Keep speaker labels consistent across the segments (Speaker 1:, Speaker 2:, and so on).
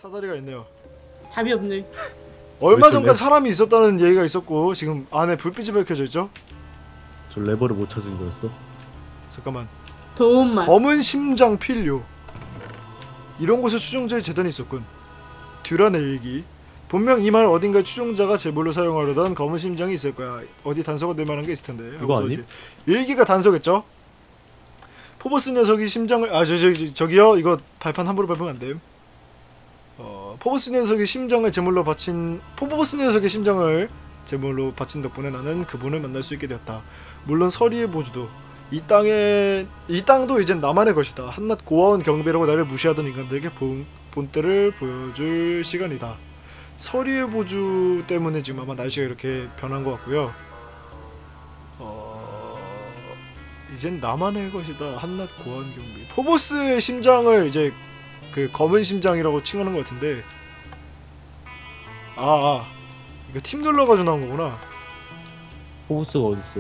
Speaker 1: 사다리가 있네요.
Speaker 2: 답이 없네.
Speaker 1: 얼마 전까지 사람이 있었다는 얘기가 있었고 지금 안에 불빛이 밝혀져 있죠?
Speaker 3: 저 레버를 못 찾은 거였어?
Speaker 1: 잠깐만.
Speaker 2: 도움만.
Speaker 1: 검은 심장 필요. 이런 곳에 추종자의 재단이 있었군. 듀란의 일기. 분명 이 마을 어딘가에 추종자가 제물로 사용하려던 검은 심장이 있을 거야. 어디 단서가 될 만한 게 있을 텐데.
Speaker 3: 이거 아님?
Speaker 1: 일기가 단서겠죠? 포버스 녀석이 심장을 저기요 이거 발판 함부로 밟으면 안 됨. 포버스 녀석의 심장을 제물로 바친 덕분에 나는 그분을 만날 수 있게 되었다. 물론 서리의 보주도 이 땅도 이젠 나만의 것이다. 한낱 고아원 경비라고 나를 무시하던 인간들에게 본때를 보여줄 시간이다. 서리의 보주 때문에 지금 아마 날씨가 이렇게 변한 것 같고요. 이젠 나만의 것이다. 한낱 고아원 경비. 포버스의 심장을 이제 그 검은 심장이라고 칭하는 것 같은데 이거 팀 눌러가지고 나온 거구나.
Speaker 3: 포브스가 어딨어?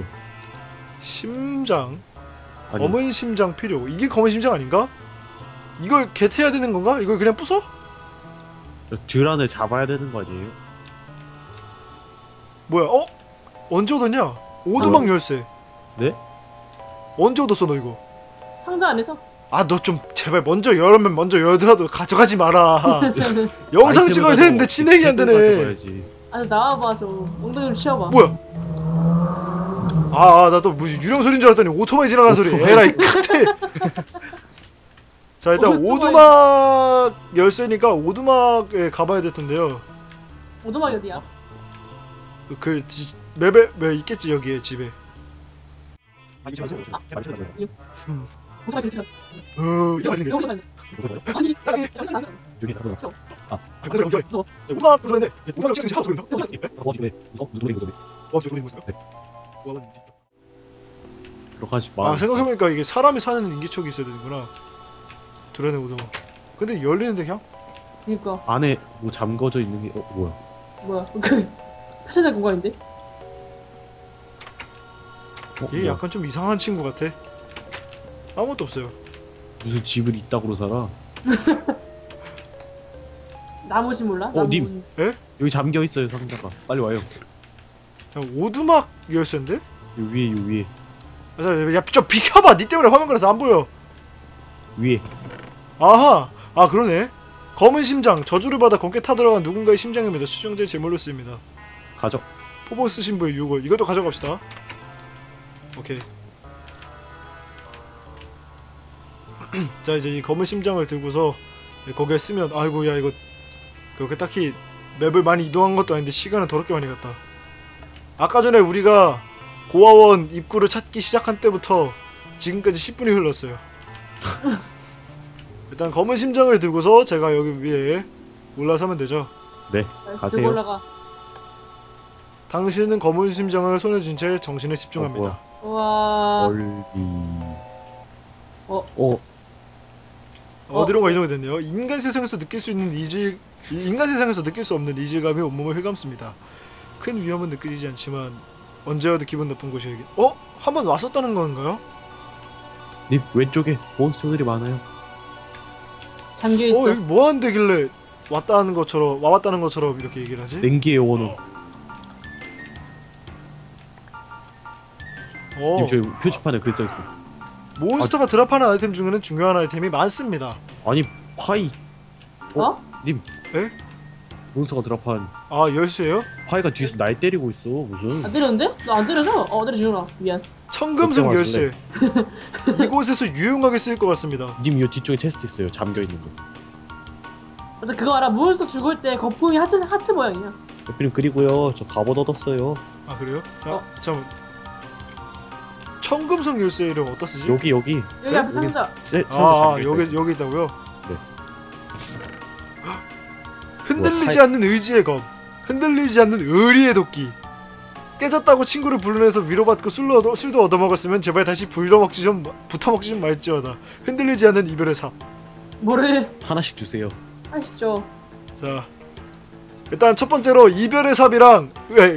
Speaker 1: 심장
Speaker 3: 아니.
Speaker 1: 검은 심장 필요. 이게 검은 심장 아닌가? 이걸 겟해야 되는 건가? 이걸 그냥 부숴?
Speaker 3: 듀란을 잡아야 되는 거 아니에요?
Speaker 1: 뭐야? 언제 얻었냐? 오두막 열쇠.
Speaker 3: 네?
Speaker 1: 언제 얻었어 너 이거?
Speaker 2: 상자 안에서?
Speaker 1: 너 좀 제발 먼저 열면 먼저 열더라도 가져가지 마라. 영상 찍어야 되는데 진행이 안 되네.
Speaker 2: 나와봐. 저 엉덩이 좀 치워봐.
Speaker 1: 뭐야? 나 또 무슨 유령 소리인 줄 알았더니 오토바이 지나가는 소리. 에라이 칵테. 자 일단 오두막 열쇠니까 오두막에 가봐야 될 텐데요.
Speaker 2: 오두막이 어디야?
Speaker 1: 맵에 있겠지 여기에 집에.
Speaker 2: 오두막 지금
Speaker 1: 있는 게.
Speaker 2: 아니
Speaker 3: 여기
Speaker 1: 오두막 그러네. 오두막 지금 하고 있나?
Speaker 3: 들어가지 마.
Speaker 1: 생각해보니까 이게 사람이 사는 인기척이 있어야 되는구나. 드러내 오두막. 근데 열리는데 그냥?
Speaker 2: 그니까
Speaker 3: 안에 뭐 잠궈져 있는 게
Speaker 2: 뭐야 그 패션의 공간인데?
Speaker 1: 얘
Speaker 3: 뭐야?
Speaker 1: 약간 좀 이상한 친구 같아. 아무것도 없어요.
Speaker 3: 무슨 집을 이따구로 살아?
Speaker 2: 나무지 몰라?
Speaker 3: 님. 여기 잠겨 있어요 상자가. 빨리 와요.
Speaker 1: 자, 오두막 열쇠인데?
Speaker 3: 요 위에.
Speaker 1: 야, 좀 비켜봐. 니 때문에 화면 걸려서 안 보여.
Speaker 3: 위에.
Speaker 1: 아하. 그러네. 검은 심장. 저주를 받아 검게 타들어간 누군가의 심장입니다. 수정제의 제물로 쓰입니다.
Speaker 3: 가져.
Speaker 1: 포버스 신부의 유골. 이것도 가져갑시다. 오케이. 자 이제 이 검은 심장을 들고서 거기에 쓰면 아이고 야 이거 그렇게 딱히 맵을 많이 이동한 것도 아닌데 시간은 더럽게 많이 갔다. 아까 전에 우리가 고아원 입구를 찾기 시작한 때부터 지금까지 10분이 흘렀어요. 일단 검은 심장을 들고서 제가 여기 위에 올라서면 되죠.
Speaker 3: 네, 가세요.
Speaker 2: 올라가.
Speaker 1: 당신은 검은 심장을 손에 쥔 채 정신에 집중합니다.
Speaker 2: 와.
Speaker 1: 어디론가 이동이 됐네요. 인간 세상에서 느낄 수 없는 이질감이 온몸을 휘감습니다. 큰 위험은 느끼지 않지만 언제 와도 기분 나쁜 곳이 여기. 한번 왔었다는 건가요?
Speaker 3: 님 왼쪽에 몬스터들이 많아요.
Speaker 2: 잠겨 있어.
Speaker 1: 여기 뭐 한대길래 와왔다는 것처럼 이렇게 얘기를 하지?
Speaker 3: 냉기의 원호. 님 저기 표지판에 글 써있어.
Speaker 1: 몬스터가 드랍하는 아이템 중에는 중요한 아이템이 많습니다.
Speaker 3: 아니 파이. 님.
Speaker 1: 에?
Speaker 3: 몬스터가 드랍한.
Speaker 1: 열쇠예요?
Speaker 3: 파이가 뒤에서 날 때리고 있어. 무슨.
Speaker 2: 안 때렸는데? 너 안 때려줘? 때려주라. 미안.
Speaker 1: 청금성 열쇠. 이곳에서 유용하게 쓰일 것 같습니다.
Speaker 3: 님 요 뒤쪽에 체스트 있어요. 잠겨 있는 거.
Speaker 2: 맞아 그거 알아. 몬스터 죽을 때 거품이 하트 모양이야.
Speaker 3: 대표님 그리고요 저 갑옷 얻었어요.
Speaker 1: 그래요? 잠깐. 청금성 열쇠를 어디다 쓰지?
Speaker 3: 여기
Speaker 2: 앞에 상자.
Speaker 1: 여기 있다고요?
Speaker 3: 네.
Speaker 1: 흔들리지 않는 의지의 검. 흔들리지 않는 의리의 도끼. 깨졌다고 친구를 불러내서 위로받고 술도 얻어먹었으면 제발 다시 붙어먹지 좀 말지어다. 흔들리지 않는 이별의 삽.
Speaker 2: 뭐래?
Speaker 3: 하나씩 주세요.
Speaker 2: 하시죠.
Speaker 1: 자, 일단 첫 번째로 이별의 삽이랑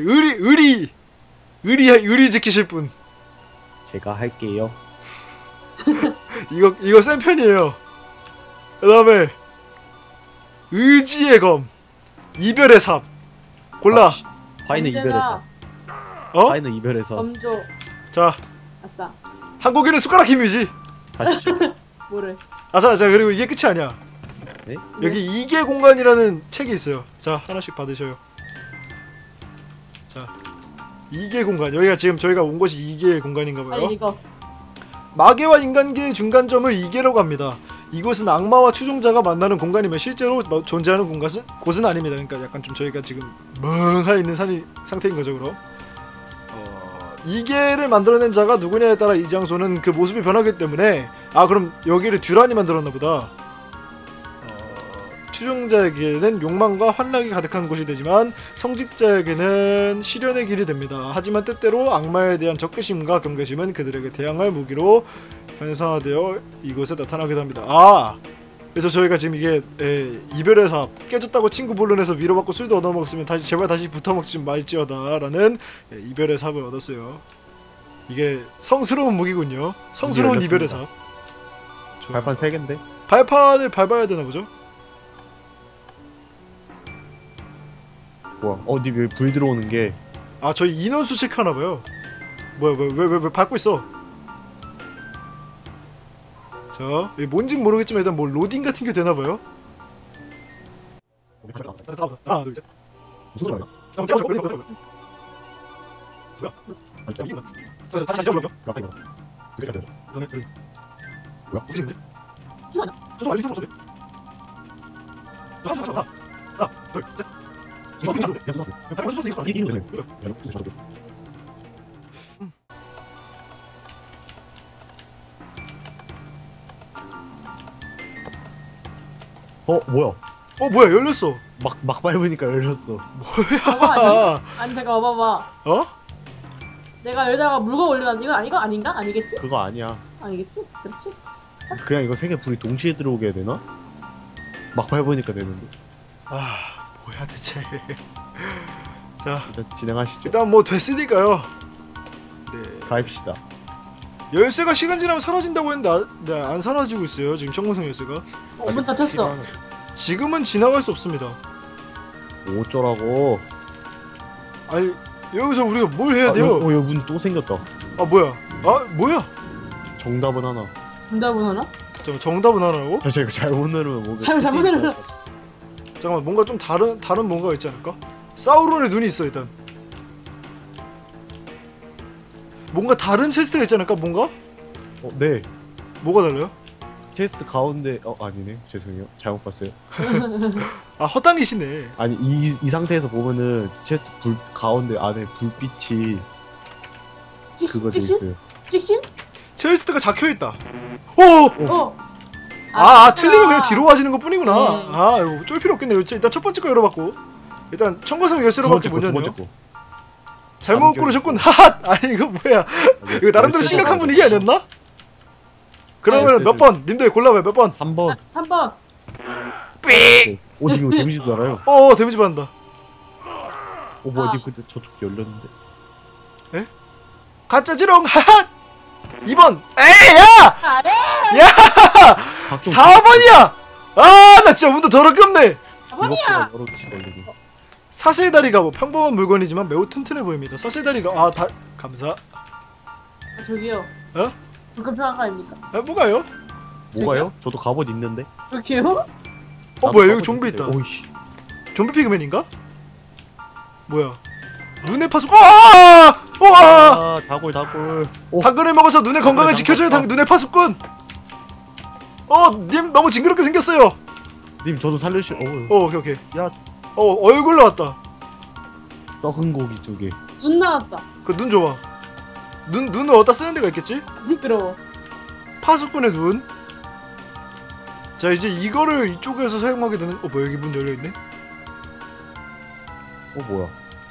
Speaker 1: 의리 지키실 분.
Speaker 3: 제가 할게요.
Speaker 1: 이거 센 편이에요. 그 다음에 의지의 검, 이별의 삽. 골라.
Speaker 3: 아, 화이는 이별에서.
Speaker 1: 어?
Speaker 3: 화이는 이별에서.
Speaker 2: 검조.
Speaker 1: 자,
Speaker 2: 아싸.
Speaker 1: 한국인은 숟가락 힘이지.
Speaker 3: 가시죠.
Speaker 2: 뭐를?
Speaker 1: 자, 그리고 이게 끝이 아니야.
Speaker 3: 네?
Speaker 1: 여기 이계 공간이라는 책이 있어요. 자, 하나씩 받으셔요. 자, 이계 공간. 여기가 지금 저희가 온 곳이 이계 공간인가 봐요.
Speaker 2: 아니 이거.
Speaker 1: 마계와 인간계의 중간점을 이계라고 합니다. 이곳은 악마와 추종자가 만나는 공간이며 실제로 존재하는 곳은 아닙니다. 그러니까 약간 좀 저희가 지금 멍하 있는 상태인 거죠, 그럼. 이계를 만들어낸 자가 누구냐에 따라 이 장소는 그 모습이 변하기 때문에 그럼 여기를 듀란이 만들었나 보다. 추종자에게는 욕망과 환락이 가득한 곳이 되지만 성직자에게는 시련의 길이 됩니다. 하지만 때때로 악마에 대한 적개심과 경계심은 그들에게 대항할 무기로 현상화되어 이곳에 나타나기도 합니다. 그래서 저희가 지금 이게 이별의 삽 깨졌다고 친구 불러내서 위로받고 술도 얻어먹었으면 제발 다시 붙어먹지 말지어다 라는 이별의 삽을 얻었어요. 이게 성스러운 무기군요. 성스러운 이별의 삽.
Speaker 3: 발판 3개인데?
Speaker 1: 발판을 밟아야 되나 보죠?
Speaker 3: 뭐야? 님 여기 불 들어오는 게.
Speaker 1: 저희 인원수 체크하나봐요. 뭐야 왜 밟고 있어? 자, 이게 뭔진 모르겠지만 일단 뭐 로딩 같은 게 되나봐요. 하나 둘 셋.
Speaker 3: 무슨 소리야?
Speaker 1: 다시 잡으려고.
Speaker 3: 아까 이거. 그게 돼. 뭐야?
Speaker 1: 혹시 있는데?
Speaker 2: 잠시만요.
Speaker 1: 소소 알림 소소. 하나 둘 셋.
Speaker 3: 뭐야?
Speaker 1: 뭐야 열렸어.
Speaker 3: 막 밟으니까 열렸어.
Speaker 2: 봐봐. 아니 잠깐 봐봐.
Speaker 1: 어?
Speaker 2: 내가 여기다가 물건 올려놨는 이거 아니가 아닌가? 아니겠지?
Speaker 3: 그거 아니야.
Speaker 2: 아니겠지? 그렇지?
Speaker 3: 그냥 이거 3개 불이 동시에 들어오게 해야 되나? 막 밟으니까 되는데.
Speaker 1: 뭐야 대체. 자,
Speaker 3: 일단 진행하시죠.
Speaker 1: 일단 뭐 됐으니까요. 네.
Speaker 3: 가입시다.
Speaker 1: 열쇠가 시간 지나면 사라진다고 했는데 안 사라지고 있어요. 지금 청구성 열쇠가.
Speaker 2: 문 닫혔어.
Speaker 1: 지금은 지나갈 수 없습니다.
Speaker 3: 어쩌라고.
Speaker 1: 아니 여기서 우리가 뭘 해야 돼요?
Speaker 3: 여기 문 또 생겼다.
Speaker 1: 뭐야? 뭐야?
Speaker 3: 정답은 하나.
Speaker 2: 정답은 하나?
Speaker 1: 잠깐 정답은 하나라고?
Speaker 3: 제가 잘못 누르면 뭔가.
Speaker 2: 잘못 누르면.
Speaker 1: 잠깐만 뭔가 좀 다른 뭔가가 있지 않을까? 사우론의 눈이 있어 일단. 뭔가 다른 체스트가 있지 않을까? 뭔가?
Speaker 3: 네.
Speaker 1: 뭐가 달라요?
Speaker 3: 체스트 가운데 아니네. 죄송해요. 잘못 봤어요.
Speaker 1: 헛당기시네.
Speaker 3: 아니 이 상태에서 보면은 체스트 불 가운데 안에 불빛이 그거 돼 있어요.
Speaker 2: 찍신?
Speaker 1: 체스트가 작혀있다. 오! 틀리면 그냥 뒤로 와지는 것 뿐이구나.
Speaker 2: 네.
Speaker 1: 이거 쫄 필요 없겠네. 일단 첫 번째 거 열어봤고 일단 청과성 열쇠로밖에 못 열네요. 잘못 고르셨군. 하핫! 아니 이거 뭐야. 이거 나름대로 심각한 분위기 아니었나? 그러면 몇 번? 님들 골라봐요. 몇 번?
Speaker 3: 3번.
Speaker 2: 3번.
Speaker 1: 삑!
Speaker 3: 님 이거 데미지도 알아요?
Speaker 1: 데미지 받는다.
Speaker 3: 뭐야 님 근데 저쪽 열렸는데.
Speaker 1: 가짜지롱 하핫! 2번. 에이 야! 야! 4번이야! 나 진짜 운도 더럽게 없네.
Speaker 2: 4번이야.
Speaker 1: 사슬다리가 평범한 물건이지만 매우 튼튼해 보입니다. 사슬다리가 감사.
Speaker 2: 저기요. 불금평한 거 아닙니까?
Speaker 1: 뭐가요?
Speaker 3: 뭐가요? 저도 갑옷 있는데.
Speaker 2: 저기요?
Speaker 1: 뭐야 여기 좀비 있다.
Speaker 3: 오이씨.
Speaker 1: 좀비 피그맨인가? 뭐야? 눈의 파수꾼.
Speaker 3: 다골.
Speaker 1: 당근을 먹어서 눈의 건강을 지켜줘요. 눈의 파수꾼. 님 너무 징그럽게 생겼어요.
Speaker 3: 님 저도 살려주시.
Speaker 1: 오케이.
Speaker 3: 야.
Speaker 1: 얼굴 나왔다.
Speaker 3: 썩은 고기 2개.
Speaker 2: 눈 나왔다.
Speaker 1: 그 눈 줘봐. 눈을 어디다 쓰는 데가 있겠지?
Speaker 2: 시끄러워.
Speaker 1: 파수꾼의 눈. 자 이제 이거를 이쪽에서 사용하게 되는. 뭐야 여기 문 열려있네.
Speaker 3: 뭐야.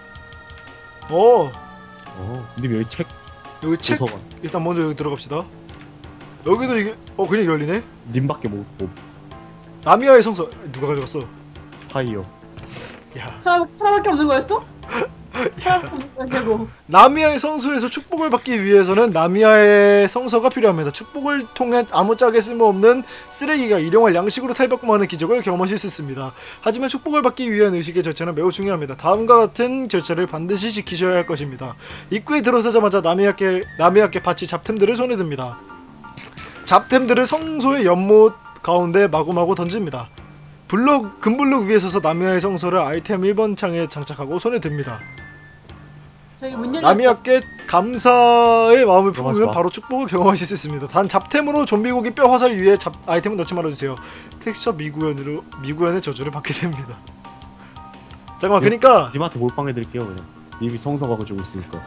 Speaker 3: 님 여기 책.
Speaker 1: 여기 책.
Speaker 3: 도서관.
Speaker 1: 일단 먼저 여기 들어갑시다. 여기도 이게 그냥 열리네.
Speaker 3: 님밖에 못.
Speaker 1: 나미아의 성서 누가 가져갔어?
Speaker 3: 파이어.
Speaker 1: 야.
Speaker 2: 하나밖에 없는 거였어? 결국
Speaker 1: 나미아의 성소에서 축복을 받기 위해서는 나미아의 성서가 필요합니다. 축복을 통해 아무짝에 쓸모없는 쓰레기가 일용할 양식으로 탈바꿈하는 기적을 경험하실 수 있습니다. 하지만 축복을 받기 위한 의식의 절차는 매우 중요합니다. 다음과 같은 절차를 반드시 지키셔야 할 것입니다. 입구에 들어서자마자 나미아께 바치 잡템들을 손에 듭니다. 잡템들을 성소의 연못 가운데 마구마구 던집니다. 금블록 위에 서서 나미아의 성서를 아이템 1번 창에 장착하고 손에 듭니다.
Speaker 2: 저기 문 열렸어.
Speaker 1: 나미아께 감사의 마음을
Speaker 3: 들어가지
Speaker 1: 품으면
Speaker 3: 마.
Speaker 1: 바로 축복을 경험하실 수 있습니다. 단 잡템으로 좀비고기 뼈 화살 위에 아이템을 넣지 말아주세요. 텍스처 미구현의 저주를 받게 됩니다. 잠깐만, 그러니까
Speaker 3: 님한테 몰빵해드릴게요 그냥. 님이 성서가 가지고 있으니까.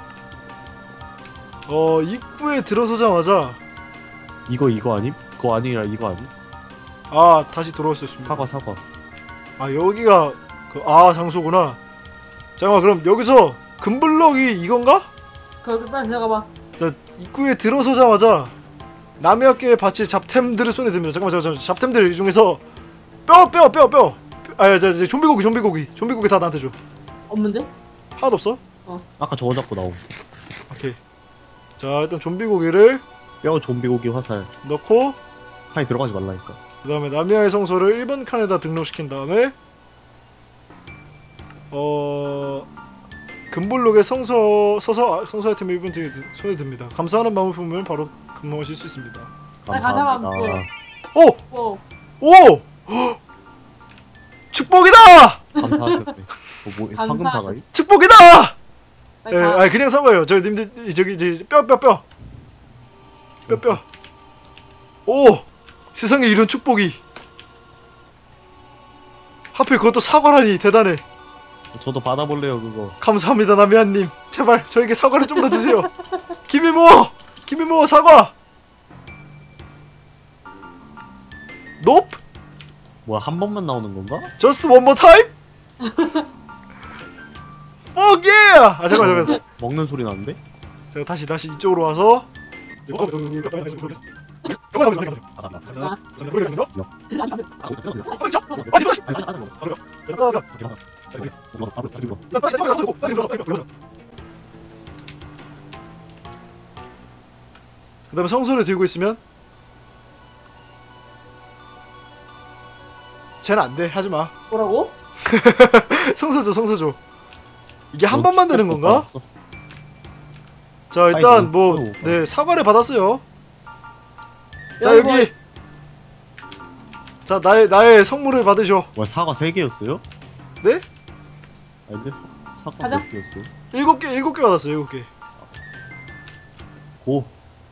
Speaker 1: 입구에 들어서자마자
Speaker 3: 이거 아님? 그거 아니라 이거 아님?
Speaker 1: 다시 돌아올 수 있습니다.
Speaker 3: 사과.
Speaker 1: 여기가 장소구나. 잠깐만, 그럼 여기서 금블럭이 이건가?
Speaker 2: 거기 빨리 들어가봐.
Speaker 1: 자, 입구에 들어서자마자 나미아께 바칠 잡템들을 손에 듭니다. 잠깐만. 잡템들 중에서 뼈. 좀비고기 다 나한테 줘.
Speaker 2: 없는데?
Speaker 1: 하나도 없어?
Speaker 3: 아까 저거 잡고 나옴.
Speaker 1: 오케이. 자, 일단 좀비고기를
Speaker 3: 뼈 좀비고기 화살.
Speaker 1: 넣고
Speaker 3: 칸에 들어가지 말라니까.
Speaker 1: 그 다음에 나미아의 성소를 1번 칸에다 등록시킨 다음에 금블록에 성서 아이템 1번 손에 듭니다. 감사하는 마음을 품으면 바로 근무하실 수 있습니다.
Speaker 3: 감사합니다.
Speaker 2: 오!
Speaker 1: 오! 축복이다!
Speaker 3: 감사하셨네. 황금
Speaker 2: 감사.
Speaker 3: 사과리?
Speaker 1: 축복이다!
Speaker 2: 빨리 가.
Speaker 1: 그냥 사과예요. 님들 저기 이제 뼈. 오! 세상에 이런 축복이. 하필 그것도 사과라니 대단해.
Speaker 3: 저도 받아볼래요 그거.
Speaker 1: 감사합니다, 나미안님. 제발 저에게 사과를 좀 더 주세요. 김이모 사과. Nope?
Speaker 3: 뭐야 한 번만 나오는 건가?
Speaker 1: Just one more time? Fuck yeah! 잠깐만.
Speaker 3: 먹는 소리 나는데?
Speaker 1: 제가 다시 이쪽으로 와서 그 다음에 성소를 들고 있으면 쟤는 안돼, 하지마.
Speaker 2: 뭐라고?
Speaker 1: 성소 줘. 이게 한 번만 되는 건가? 자,
Speaker 3: 아니,
Speaker 1: 일단
Speaker 3: 뭐, 못 받았어.
Speaker 1: 사과를 받았어요. 자,
Speaker 2: 야,
Speaker 1: 여기. 자, 나의 성물을 받으셔.
Speaker 3: 뭐야 사과 3개였어요?
Speaker 1: 네?
Speaker 3: 아닌데 사과
Speaker 2: 가자.
Speaker 3: 몇 개였어요?
Speaker 1: 7개 받았어요. 7개.
Speaker 3: 고.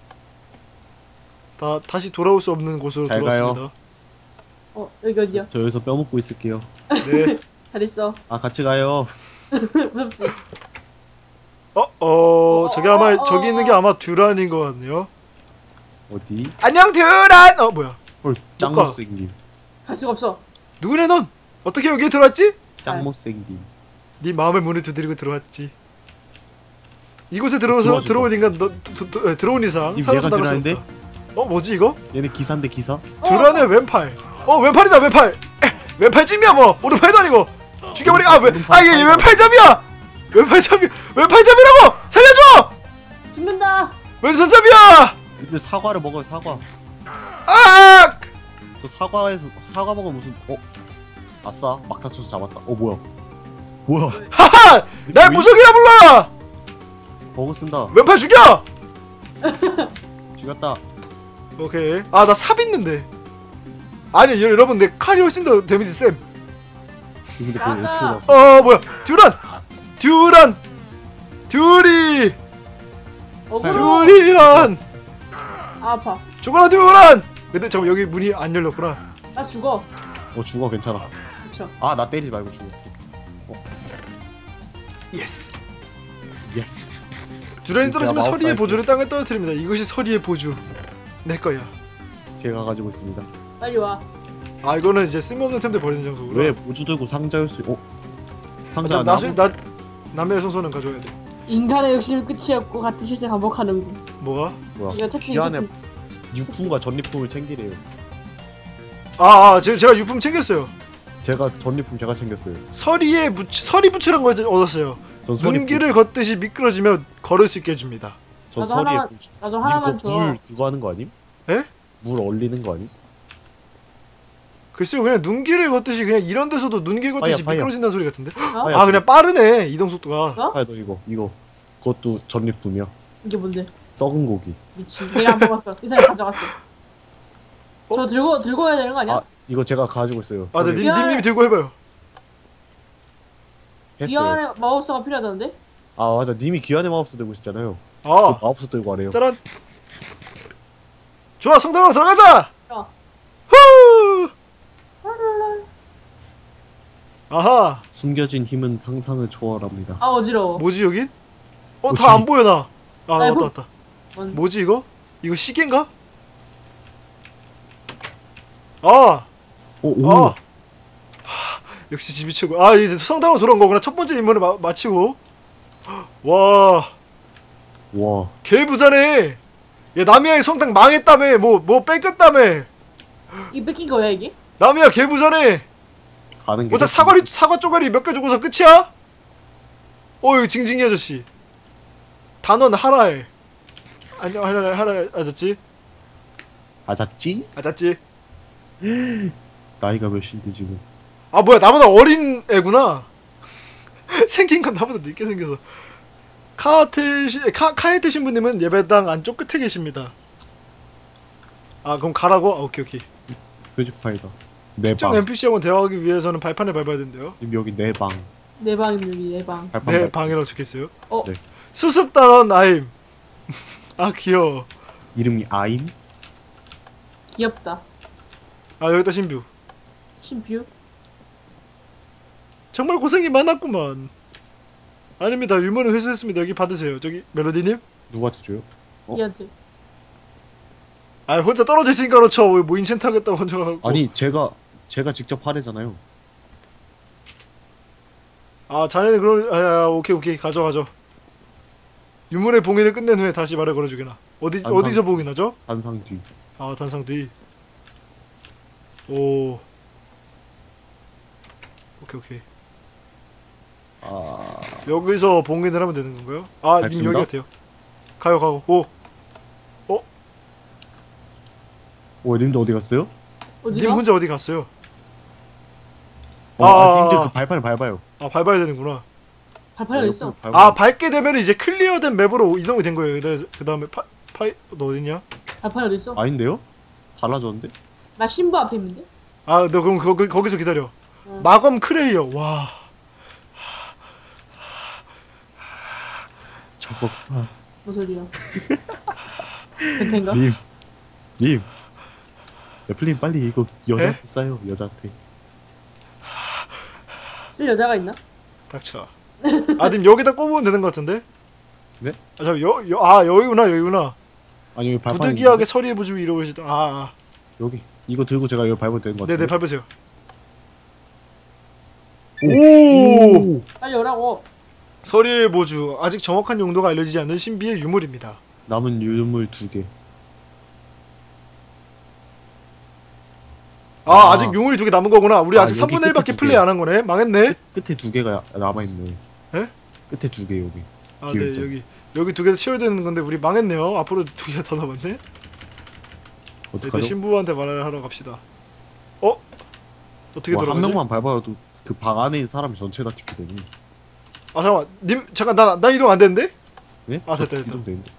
Speaker 1: 다시 돌아올 수 없는 곳으로
Speaker 3: 잘
Speaker 1: 돌아왔습니다.
Speaker 2: 여기 어디야?
Speaker 3: 저 여기서 뼈 먹고 있을게요.
Speaker 1: 네.
Speaker 2: 잘 있어.
Speaker 3: 아 같이 가요.
Speaker 2: 무섭지?
Speaker 1: 저기 있는 게 아마 듀란인 것 같네요.
Speaker 3: 어디?
Speaker 1: 안녕, 듀란! 뭐야.
Speaker 3: 헐 짱
Speaker 1: 가.
Speaker 3: 못생김.
Speaker 2: 갈 수가 없어.
Speaker 1: 누구네 넌? 어떻게 여기에 들어왔지?
Speaker 3: 짱 못생김.
Speaker 1: 네 마음의 문을 두드리고 들어왔지. 이곳에
Speaker 3: 도와줘.
Speaker 1: 들어온 인간 들어온 이상
Speaker 3: 님
Speaker 1: 살아서
Speaker 3: 얘가
Speaker 1: 나갈 수
Speaker 3: 듀란인데?
Speaker 1: 없다. 뭐지 이거?
Speaker 3: 얘네 기사인데 기사?
Speaker 1: 듀란의 왼팔. 왼팔이다, 왼팔. 왼팔찜이야 뭐. 오른팔도 아니고. 죽여버리고. 얘 왼팔잡이야. 왼팔잡이라고. 살려줘.
Speaker 2: 죽는다.
Speaker 1: 왼손잡이야.
Speaker 3: 근데 사과를 먹어요 사과.
Speaker 1: 아!
Speaker 3: 저 사과 먹으면 무슨 아싸 막타 쳐서 잡았다. 뭐야
Speaker 1: 하하! 날 무속이라 불러.
Speaker 3: 버그 쓴다.
Speaker 1: 왼팔 죽여.
Speaker 3: 죽였다.
Speaker 1: 오케이. 나 삽 있는데. 아니 여러분, 내 칼이 훨씬 더 데미지 쌤.
Speaker 3: 근데 그거
Speaker 2: 나가.
Speaker 3: 어떻게 나왔어?
Speaker 1: 뭐야. 듀리.
Speaker 2: 어그로.
Speaker 1: 듀리란.
Speaker 2: 아파.
Speaker 1: 죽어라, 듀란. 근데 잠깐, 여기 문이 안 열렸구나.
Speaker 2: 나 죽어.
Speaker 3: 죽어 괜찮아.
Speaker 2: 그쵸.
Speaker 3: 나 때리지 말고 죽어.
Speaker 1: 예스.
Speaker 3: 예스.
Speaker 1: 듀란이 떨어지면
Speaker 3: 마우스
Speaker 1: 서리의
Speaker 3: 할게.
Speaker 1: 보주를 땅에 떨어뜨립니다. 이것이 서리의 보주. 내 거야.
Speaker 3: 제가 가지고 있습니다.
Speaker 2: 빨리 와.
Speaker 1: 이거는 이제 쓸모없는 템들 버리는 장소구나.
Speaker 3: 왜 부주 들고 상자일 수? 상자
Speaker 1: 나중에 남의 손소는 가져야 돼.
Speaker 2: 인간의 욕심이 끝이 없고 같은 실세 반복하는군.
Speaker 1: 뭐가?
Speaker 3: 뭐야?
Speaker 2: 이거 책임
Speaker 3: 귀한에
Speaker 2: 좀-
Speaker 3: 유품과 전리품을 챙기래요.
Speaker 1: 제가 유품 챙겼어요.
Speaker 3: 제가 전리품 제가 챙겼어요.
Speaker 1: 서리 부츠란 걸 얻었어요.
Speaker 3: 전 서리
Speaker 1: 눈길을 걷듯이 미끄러지며 걸을 수 있게 해줍니다.
Speaker 3: 전
Speaker 2: 나도
Speaker 3: 서리에
Speaker 2: 하나만-
Speaker 3: 부츠.
Speaker 2: 나도
Speaker 3: 님
Speaker 2: 하나만
Speaker 3: 그거
Speaker 2: 줘.
Speaker 3: 물 그거 하는 거 아님?
Speaker 1: 에?
Speaker 3: 물 얼리는 거 아님?
Speaker 1: 글쎄요, 그냥 눈길을 걷듯이 그냥 이런 데서도 눈길 걷듯이
Speaker 3: 파이어.
Speaker 1: 미끄러진다는 소리 같은데?
Speaker 2: 어?
Speaker 1: 아, 그냥 빠르네 이동 속도가.
Speaker 2: 어?
Speaker 3: 아 너 이거 그것도 전리품이야.
Speaker 2: 이게 뭔데?
Speaker 3: 썩은 고기.
Speaker 2: 미친. 내가 안 먹었어. 이 사람이 가져갔어. 저 들고 해야 되는 거 아니야?
Speaker 3: 아 이거 제가 가지고 있어요.
Speaker 1: 아, 네,
Speaker 3: 서리
Speaker 1: 님이 들고 해봐요.
Speaker 3: 했어요.
Speaker 2: 귀환의 마법사가 필요하다는데?
Speaker 3: 아 맞아, 님이 귀환의 마법사 들고 있었잖아요. 그
Speaker 1: 아,
Speaker 3: 마법사 들고 가래요.
Speaker 1: 짜란. 좋아, 성당으로 들어가자.
Speaker 2: 좋아.
Speaker 1: 후. 아하,
Speaker 3: 숨겨진 힘은 상상을 초월합니다.
Speaker 2: 아 어지러워.
Speaker 1: 뭐지 여긴?
Speaker 3: 뭐지?
Speaker 1: 다 안 보여 나. 아,
Speaker 2: 아이고.
Speaker 1: 맞다.
Speaker 2: 뭔-
Speaker 1: 뭐지 이거? 이거 시계인가? 아,
Speaker 3: 오.
Speaker 1: 아. 역시 집이 최고. 아, 이제 성당으로 돌아온 거구나. 첫 번째 임무를 마치고. 와,
Speaker 3: 와.
Speaker 1: 개부자네. 야, 나미야의 성당 망했다며. 뭐 뺏겼다며.
Speaker 2: 이 뺏긴 거야 이게?
Speaker 1: 나미야 개부자네.
Speaker 3: 가는 게.
Speaker 1: 오딱 사과 쪼가리 몇 개 주고서 끝이야? 여기 징징이 아저씨. 단원 하랄. 안녕 하랄 아저씨.
Speaker 3: 아잤지?
Speaker 1: 아저씨.
Speaker 3: 나이가 몇인데 지금?
Speaker 1: 아, 뭐야, 나보다 어린 애구나. 생긴 건 나보다 늦게 생겨서. 카에트 신부님은 예배당 안쪽 끝에 계십니다. 아, 그럼 가라고? 아, 오케이.
Speaker 3: 표지파이다. 내
Speaker 1: 특정
Speaker 3: 방.
Speaker 1: NPC하고 대화하기 위해서는 발판을 밟아야 된대요.
Speaker 3: 님 여기 내 방.
Speaker 2: 내 방입니다 여기 내 방.
Speaker 3: 발판
Speaker 1: 네,
Speaker 3: 밟-
Speaker 1: 방이라고 적혀있어요.
Speaker 2: 어?
Speaker 3: 네.
Speaker 1: 수습단원 아임. 아, 귀여워.
Speaker 3: 이름이 아임?
Speaker 2: 귀엽다.
Speaker 1: 아, 여기다 신뷰.
Speaker 2: 신뷰?
Speaker 1: 정말 고생이 많았구만. 아닙니다. 유머는 회수했습니다. 여기 받으세요. 저기 멜로디님.
Speaker 3: 누구한테 줘요? 어?
Speaker 2: 얘한테.
Speaker 1: 아, 혼자 떨어져 있으니까 그렇죠. 뭐 인챈트 하겠다고 혼자 하고.
Speaker 3: 아니 제가 직접 하래잖아요.
Speaker 1: 아, 자네는 그런. 오케이. 가져. 유물의 봉인을 끝낸 후에 다시 말을 걸어주게나.
Speaker 3: 단상.
Speaker 1: 어디서 봉인하죠?
Speaker 3: 단상 뒤.
Speaker 1: 아, 단상 뒤. 오. 오케이.
Speaker 3: 아
Speaker 1: 여기서 봉인을 하면 되는 건가요? 아, 님
Speaker 3: 알겠습니다.
Speaker 1: 여기 같아요. 가요. 오.
Speaker 3: 님도 어디 갔어요?
Speaker 2: 어디가?
Speaker 1: 님 혼자 어디 갔어요?
Speaker 3: 님들 그 발판을 밟아요.
Speaker 1: 아, 밟아야 되는구나.
Speaker 2: 발판이 어디 있어?
Speaker 1: 아, 밟게 되면 이제 클리어된 맵으로 이동이 된 거예요. 그 다음에 너 어딨냐?
Speaker 2: 발판이 어디 있어?
Speaker 3: 아닌데요? 달라졌는데?
Speaker 2: 나 신부 앞에 있는데?
Speaker 1: 아, 너 그럼 거기서 기다려.
Speaker 2: 응.
Speaker 1: 마검 크레이어. 와.
Speaker 3: 저거
Speaker 2: 뭔 소리야? 변태인가?
Speaker 3: 님 애플님 빨리 이거 여자한테 싸요. 여자한테.
Speaker 2: 쓸 여자가 있나?
Speaker 1: 닥쳐. 아, 님 여기다 꼽으면 되는 것 같은데?
Speaker 3: 네?
Speaker 1: 아, 잠깐 여기구나.
Speaker 3: 아니 여기 발판
Speaker 1: 부득이하게 서리해 보시고 이러시다.
Speaker 3: 여기 이거 들고 제가 이거 밟으면 되는 것
Speaker 1: 네네,
Speaker 3: 같아요.
Speaker 1: 밟으세요.
Speaker 3: 오!
Speaker 2: 빨리 오라고.
Speaker 1: 서리의 보주. 아직 정확한 용도가 알려지지 않은 신비의 유물입니다.
Speaker 3: 남은 유물 2개.
Speaker 1: 아직 유물이 2개 남은 거구나. 우리 아직
Speaker 3: 여기
Speaker 1: 3분의 1밖에
Speaker 3: 끝에
Speaker 1: 플레이 안 한 거네. 망했네.
Speaker 3: 끝에 2개가 남아있네.
Speaker 1: 에?
Speaker 3: 끝에 2개 여기.
Speaker 1: 아, 네,
Speaker 3: 기울자.
Speaker 1: 여기 2개 채워야 되는 건데 우리 망했네요. 앞으로 2개가 더 남았네. 일단
Speaker 3: 어떡하죠?
Speaker 1: 신부한테 말을 하러 갑시다. 어떻게
Speaker 3: 와, 한
Speaker 1: 돌아가지?
Speaker 3: 명만 밟아도 그 방 안에 있는 사람이 전체 다 튀게 되니.
Speaker 1: 아, 잠깐만. 님 잠깐 나 이동 안 되는데?
Speaker 3: 네?
Speaker 1: 아, 됐다.
Speaker 3: 이동되는데.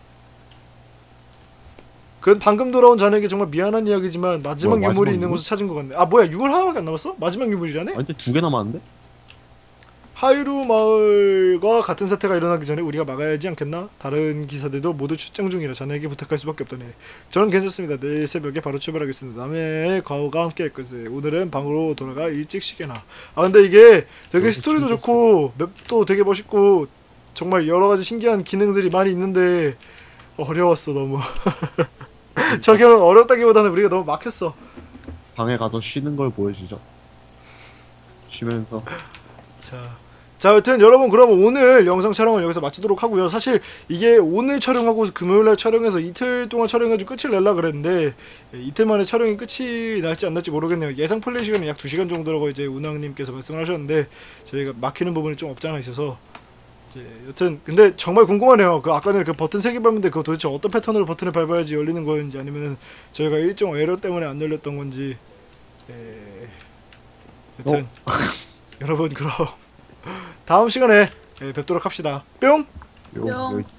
Speaker 1: 그건 방금 돌아온 자네에게 정말 미안한 이야기지만 마지막
Speaker 3: 뭐야,
Speaker 1: 유물이
Speaker 3: 마지막
Speaker 1: 있는
Speaker 3: 유물?
Speaker 1: 곳을 찾은 것 같네. 아, 뭐야, 유물 하나밖에 안 남았어? 마지막 유물이라네?
Speaker 3: 아니 근데 2개 남았는데?
Speaker 1: 하이루 마을과 같은 사태가 일어나기 전에 우리가 막아야 하지 않겠나? 다른 기사들도 모두 출장 중이라 자네에게 부탁할 수밖에 없다네. 저는 괜찮습니다. 내일 새벽에 바로 출발하겠습니다. 남의 과거가 함께 할 것을. 오늘은 방으로 돌아가 일찍 쉬게나. 아, 근데 이게 되게 스토리도
Speaker 3: 진짜
Speaker 1: 좋고 맵도 되게 멋있고 정말 여러 가지 신기한 기능들이 많이 있는데 어려웠어 너무. 저기는 어렵다기보다는 우리가 너무 막혔어.
Speaker 3: 방에 가서 쉬는 걸 보여주죠. 쉬면서
Speaker 1: 자, 자, 여튼 여러분 그러면 오늘 영상 촬영을 여기서 마치도록 하고요. 사실 이게 오늘 촬영하고 금요일날 촬영해서 이틀 동안 촬영해가지고 끝을 낼라 그랬는데 이틀 만에 촬영이 끝이 날지 안 날지 모르겠네요. 예상 플레이 시간은 약 2시간 정도라고 이제 운항님께서 말씀을 하셨는데 저희가 막히는 부분이 좀 없지 않아 있어서 이제 여튼 근데 정말 궁금하네요. 그 아까 전에 그 버튼 3개 밟는데 그거 도대체 어떤 패턴으로 버튼을 밟아야지 열리는 거였는지 아니면은 저희가 일정 에러 때문에 안 열렸던 건지 여튼 여러분 그럼 다음 시간에 뵙도록 합시다. 뿅!
Speaker 3: 요,
Speaker 2: 뿅.
Speaker 3: 요